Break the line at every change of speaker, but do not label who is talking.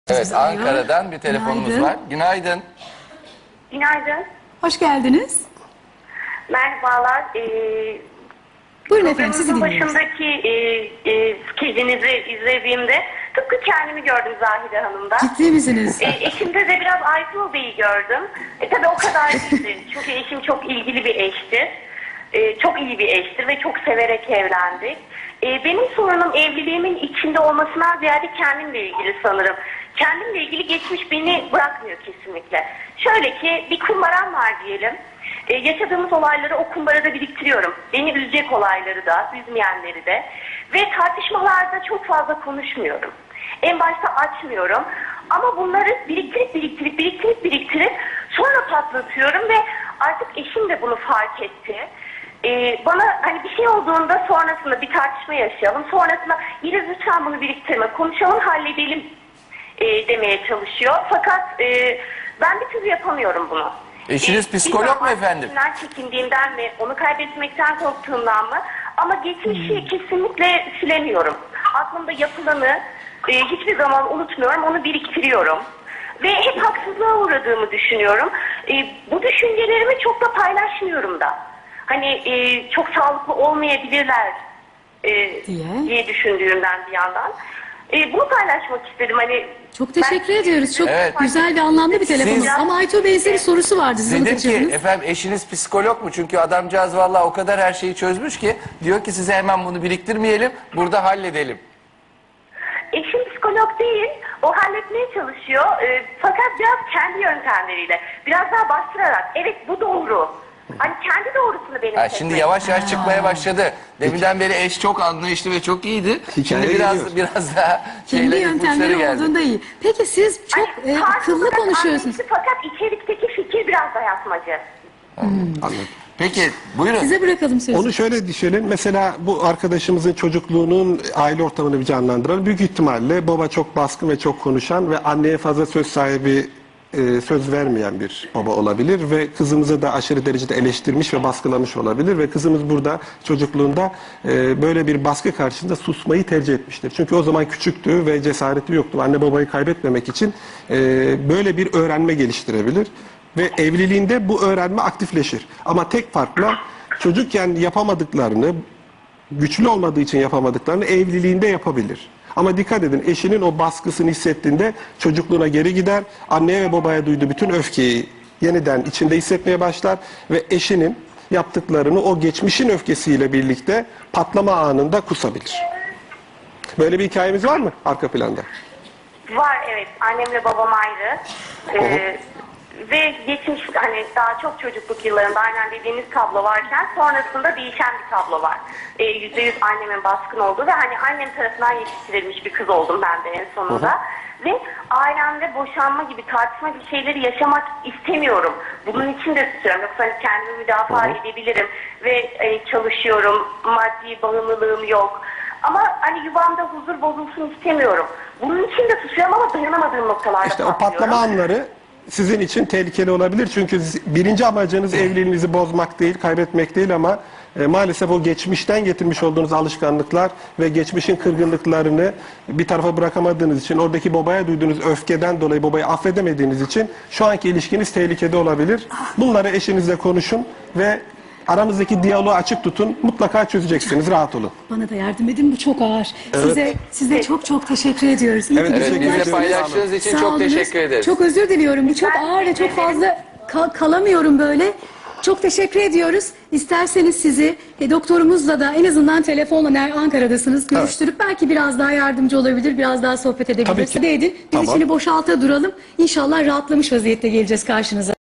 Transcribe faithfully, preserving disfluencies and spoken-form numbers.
Evet, Ankara'dan bir telefonumuz
Günaydın.
var. Günaydın.
Günaydın.
Hoş geldiniz.
Merhabalar. Ee,
Buyurun efendim, sizi
programınızın
dinliyoruz.
başındaki e, e, skecinizi izlediğimde tıpkı kendimi gördüm Zahide Hanım'da.
Ciddi misiniz?
E, eşimde de biraz Aytul Bey'i gördüm. E, tabii o kadar değildi. Çünkü eşim çok ilgili bir eştir. E, çok iyi bir eştir ve çok severek evlendik. E, benim sorunum evliliğimin içinde olmasından ziyade kendimle ilgili sanırım. Kendimle ilgili geçmiş beni bırakmıyor kesinlikle. Şöyle ki bir kumbaram var diyelim. Ee, yaşadığımız olayları o kumbarada biriktiriyorum. Beni üzecek olayları da, üzmeyenleri de. Ve tartışmalarda çok fazla konuşmuyorum. En başta açmıyorum. Ama bunları biriktirip biriktirip biriktirip biriktirip sonra patlatıyorum ve artık eşim de bunu fark etti. Ee, bana hani bir şey olduğunda sonrasında bir tartışma yaşayalım. Sonrasında yine lütfen bunu biriktirme, konuşalım, halledelim e, demeye çalışıyor. Fakat e, ben bir türlü yapamıyorum bunu.
Eşiniz
Ee,
psikolog mu efendim?
bilmem çekindiğimden mi, onu kaybetmekten korktuğumdan mı? Ama geçmişi
Hmm.
kesinlikle silemiyorum. Aklımda yapılanı e, hiçbir zaman unutmuyorum, onu biriktiriyorum. Ve hep haksızlığa uğradığımı düşünüyorum. E, bu düşüncelerimi çok da paylaşmıyorum da. Hani e, çok sağlıklı olmayabilirler e,
Diye.
diye düşündüğümden bir yandan. E, bunu paylaşmak istedim. Hani
Çok teşekkür
ben-
ediyoruz. Çok
Evet.
güzel ve anlamlı bir telefonunuz.
Siz-
Ama Aytuğ Bey'in size bir sorusu vardı. Siz
Dedim ki
anlatacaksınız.
efendim eşiniz psikolog mu? Çünkü adamcağız vallahi o kadar her şeyi çözmüş ki diyor ki size hemen bunu biriktirmeyelim, burada halledelim.
Eşim psikolog değil, o halletmeye çalışıyor. Ee, fakat biraz kendi yöntemleriyle, biraz daha bastırarak, evet bu doğru. Hani kendi doğrusunu benim
Ha, şimdi yavaş yavaş çıkmaya başladı. Deminden beri eş çok anlayışlı ve çok iyiydi. Şimdi
Hikaye
biraz
geliyor.
biraz daha
Kendi
şeyler, ipuçları
yöntemleri
geldi.
olduğunda iyi. Peki siz çok e, akıllı konuşuyorsunuz.
Fakat içerikteki fikir biraz dayatmacı.
Anladım.
Peki buyurun.
Size bırakalım sözü.
Onu şöyle düşünelim. Mesela bu arkadaşımızın çocukluğunun aile ortamını bir canlandıralım. Büyük ihtimalle baba çok baskın ve çok konuşan ve anneye fazla söz sahibi, e, söz vermeyen bir baba olabilir ve kızımızı da aşırı derecede eleştirmiş ve baskılamış olabilir ve kızımız burada çocukluğunda e, böyle bir baskı karşısında susmayı tercih etmiştir. Çünkü o zaman küçüktü ve cesareti yoktu. Anne babayı kaybetmemek için e, böyle bir öğrenme geliştirebilir. Ve evliliğinde bu öğrenme aktifleşir. Ama tek farkla çocukken yapamadıklarını, güçlü olmadığı için yapamadıklarını evliliğinde yapabilir. Ama dikkat edin, eşinin o baskısını hissettiğinde çocukluğuna geri gider, anneye ve babaya duyduğu bütün öfkeyi yeniden içinde hissetmeye başlar ve eşinin yaptıklarını o geçmişin öfkesiyle birlikte patlama anında kusabilir. Böyle bir hikayemiz var mı arka planda?
Var, evet, annemle babam ayrı. Ee, ve geçmiş hani daha çok çocukluk yıllarında aynen dediğiniz tablo varken sonrasında değişen bir tablo var. Ee, yüzde yüz annemin baskın olduğu ve hani annem tarafından yetiştirilmiş bir kız oldum ben de en sonunda. Ve ailemde boşanma gibi, tartışma gibi şeyleri yaşamak istemiyorum. Bunun için de tutuyorum. Yoksa hani kendimi müdafaa edebilirim ve e, çalışıyorum, maddi bağımlılığım yok. Ama hani yuvamda huzur bozulsun istemiyorum. Bunun için de tutuyorum ama dayanamadığım noktalarda
İşte o
patlıyorum.
patlama anları sizin için tehlikeli olabilir. Çünkü birinci amacınız evliliğinizi bozmak değil, kaybetmek değil ama e, maalesef o geçmişten getirmiş olduğunuz alışkanlıklar ve geçmişin kırgınlıklarını bir tarafa bırakamadığınız için, oradaki babaya duyduğunuz öfkeden dolayı babayı affedemediğiniz için şu anki ilişkiniz tehlikede olabilir. Bunları eşinizle konuşun ve aramızdaki diyaloğu açık tutun. Mutlaka çözeceksiniz. Rahat olun.
Bana da yardım edin, bu çok ağır. Size size çok çok teşekkür ediyoruz. İyi
Evet,
ki
Evet,
teşekkür
bizimle
bizle
ediyoruz.
paylaştığınız için
Sağ
çok
olunuz.
teşekkür ederiz.
Çok özür diliyorum. Bu çok
Ben
ağır ve çok
teşekkür ederim.
fazla kal- kalamıyorum böyle. Çok teşekkür ediyoruz. İsterseniz sizi e, doktorumuzla da en azından telefonla ner- Ankara'dasınız görüştürüp belki biraz daha yardımcı olabilir, biraz daha sohbet edebiliriz.
Tabii ki.
Hadi edin. Biz
Tamam.
içini boşalta duralım. İnşallah rahatlamış vaziyette geleceğiz karşınıza.